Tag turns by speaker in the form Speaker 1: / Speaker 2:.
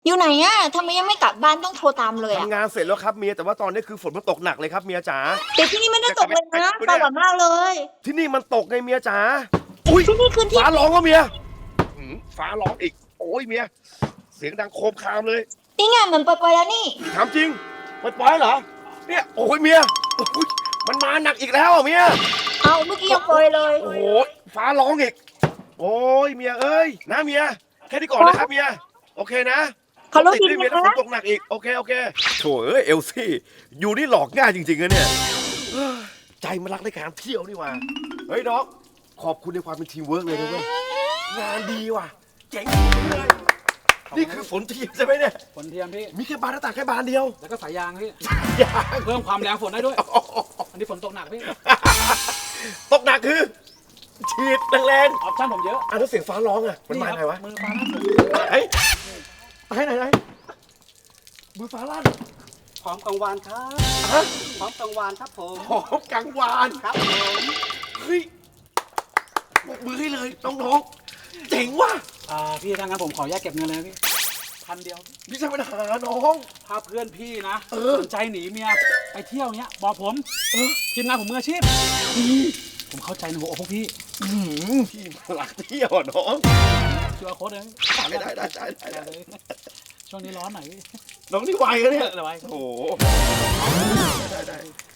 Speaker 1: อยู่ไหนอะทำไมยังไม่กลับบ้านต้องโทรตามเลยอะ
Speaker 2: ทำงานเสร็จแล้วครับเมียแต่ว่าตอนนี้คือฝนมันตกหนักเลยครับเมียจ๋า
Speaker 1: แต่ที่นี่ไม่ได้ตกเลยนะสว่างมากเลย
Speaker 2: ที่นี่มันตกไงเมียจ๋าอุ้ย
Speaker 1: ที่นี่คือที่
Speaker 2: ฟ้าร้องก็เมียฟ้าร้องอีกโอ้ยเมียเสียงดังโครมครามเลย
Speaker 1: นี่ไงเหมือนปล่อยๆแล้วนี่
Speaker 2: ถามจริงปล่อยเหรอเนี่ยโอ้ยเมียโอ้ยมันมาหนักอีกแล้วอ่ะเมีย
Speaker 1: เอาเมื่อกี้ยังปล่อยเลย
Speaker 2: โอ้โหฟ้าร้องอีกโอ้ยเมียเอ้ยนะเมียแค่นี้ก่อนนะครับเมียโอเคนะ
Speaker 1: ขับรถ
Speaker 2: ติด
Speaker 1: ดี
Speaker 2: ด้วยเมีย
Speaker 1: ๆ
Speaker 2: แล้วฝน
Speaker 1: นะ
Speaker 2: ตกหนักอีกโอเคโถเอ้ยเอลซี่อยู่นี่หลอกง่ายจริงๆนะเนี่ยเฮ้ยใจมันรักในการเที่ยวนี่หว่าเฮ้ยน้องขอบคุณในความเป็นทีมเวิร์กเลยนะเว้ยงานดีว่ะเจ๋งเลยนี่คือฝนเทียมใช่ไหมเนี่ย
Speaker 3: ฝนเทียมพี่
Speaker 2: มีแค่บานหน้าต่างแค่บานเดียว
Speaker 3: แล้วก็สายยางพี่
Speaker 2: ยาง
Speaker 3: เพิ่มความแรงฝนได้ด้วย อันนี้ฝนตกหนักพี่
Speaker 2: ตกหนักคือฉีดแรง
Speaker 3: ออปชั่นผมเยอะ
Speaker 2: ๆแล้วเสียงฟ้าร้องอ่ะมันมา
Speaker 3: ครับ
Speaker 2: ไงวะ
Speaker 3: มือฟ้าหน้าฝน
Speaker 2: ไหนมือฟ้าลั่น
Speaker 4: พร้อมกังวานครับ
Speaker 2: ฮะ
Speaker 4: พร้อมกังวานครับผม
Speaker 2: หอมกังวาน
Speaker 4: ครับผม
Speaker 2: เฮ้ยปรบมือให้เลยน้องๆเจ๋งว่ะ
Speaker 3: พี่ถ้างั้นผมขอแยกเก็บเงินเลยนะพี่1,000 เดียว
Speaker 2: พี่ใช่ปัญหาน้อง
Speaker 3: ถ้าเพื่อนพี่นะ
Speaker 2: เออ
Speaker 3: สนใจหนีเมียไปเที่ยวเนี้ยบอกผมทีมงานผมมืออาชีพผมเข้าใจในหัวอกพวกพี่
Speaker 2: พี่หลักเที่ยวอะน้อง
Speaker 3: คิวอาร์โค้ดเลย
Speaker 2: ได้
Speaker 3: เลยช่วงนี้ร้อนหน่อยพี่
Speaker 2: น้องนี่ไวอะเนี่ย
Speaker 3: อะไรไว้
Speaker 2: โอ้โหได้